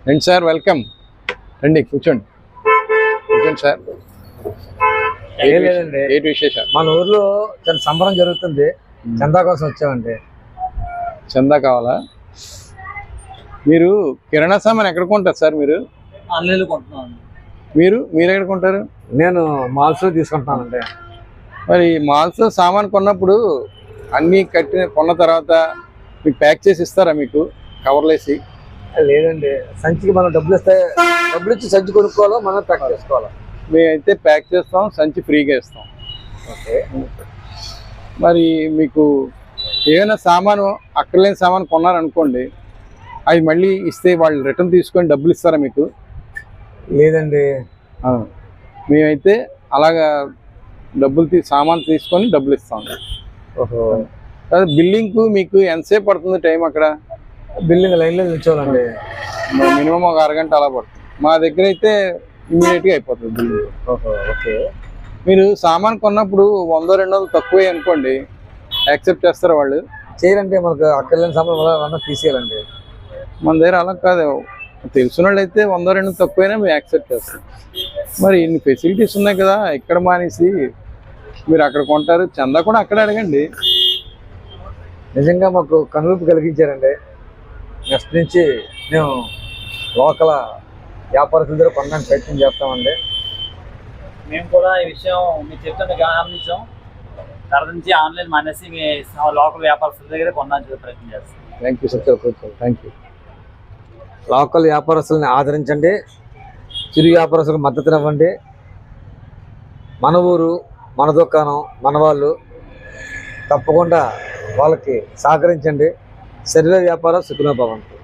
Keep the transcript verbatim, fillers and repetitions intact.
రండి sir, welcome. రండి, కూర్చోండి కూర్చోండి సార్. ఏం లేదండి, ఏంటి విశేషాలు? మన ఊర్లో చాలా సంబరం జరుగుతుంది. చందా కోసం వచ్చామండి. చందా కావాలా? మీరు కిరాణా సామాన్ ఎక్కడ కొంటారు సార్? మీరు ఆన్లైన్లో కొంటున్నాను. మీరు మీరు ఎక్కడ కొంటారు? నేను మాల్స్ లో తీసుకుంటున్నానండి. మరి మాల్స్ సామాన్ కొన్నప్పుడు అన్నీ కట్టిన కొన్న తర్వాత మీకు ప్యాక్ చేసి ఇస్తారా? మీకు కవర్లు వేసి? లేదండి, సంచికి మనం డబ్బులు ఇస్తే డబ్బులు ఇచ్చి సంచి కొనుక్కోవాలో మనం ప్యాక్ చేసుకోవాలా? మేమైతే ప్యాక్ చేస్తాం, సంచి ఫ్రీగా ఇస్తాం. ఓకే. మరి మీకు ఏమైనా సామాను అక్కర్లేని సామాను కొన్నారనుకోండి, అవి మళ్ళీ ఇస్తే వాళ్ళు రిటర్న్ తీసుకొని డబ్బులు ఇస్తారా మీకు? లేదండి, మేమైతే అలాగా డబ్బులు తీ సామాన్ తీసుకొని డబ్బులు ఇస్తాం. ఓహో. బిల్లింగ్కు మీకు ఎంతసేపు పడుతుంది టైం? అక్కడ బిల్లింగ్ లైన్లో నిల్చోవాలండి. మినిమం ఒక అరగంట అలా పడుతుంది. మా దగ్గర అయితే ఇమ్మీడియట్గా అయిపోతుంది బిల్లింగ్. ఓహో, ఓకే. మీరు సామాన్ కొన్నప్పుడు వంద రెండు వందలు తక్కువే అనుకోండి, యాక్సెప్ట్ చేస్తారా వాళ్ళు? చేయాలంటే మనకు అక్కర్లేని సామాన్ వల్ల తీసేయాలండి. మన దగ్గర అలా కాదు, తెలిసిన వాళ్ళు అయితే వంద రెండు తక్కువైనా మేము యాక్సెప్ట్ చేస్తాం. మరి ఇన్ని ఫెసిలిటీస్ ఉన్నాయి కదా, ఇక్కడ మానేసి మీరు అక్కడ కొంటారు. చందా కూడా అక్కడ అడగండి. నిజంగా మాకు కనువిప్పు కలిగించారండి. నెక్స్ట్ నుంచి మేము లోకల్ వ్యాపారస్తుల దగ్గర కొనడానికి ప్రయత్నం చేస్తామండి. మేము కూడా ఈ విషయం మీరు చెప్తుంటే గమనించాం. తర్వాత నుంచి ఆన్లైన్ మానేసి మీ లోకల్ వ్యాపారస్తుల దగ్గర కొనడానికి ప్రయత్నం చేస్తాం. Thank you sir, thank you. Local వ్యాపారస్తుల్ని ఆదరించండి, చిరు వ్యాపారస్తులకు మద్దతునివ్వండి. మన ఊరు, మన దుకాణం, మన వాళ్ళు, తప్పకుండా వాళ్ళకి సహకరించండి. శరీర వ్యాపారం సుఖనోభవంతు.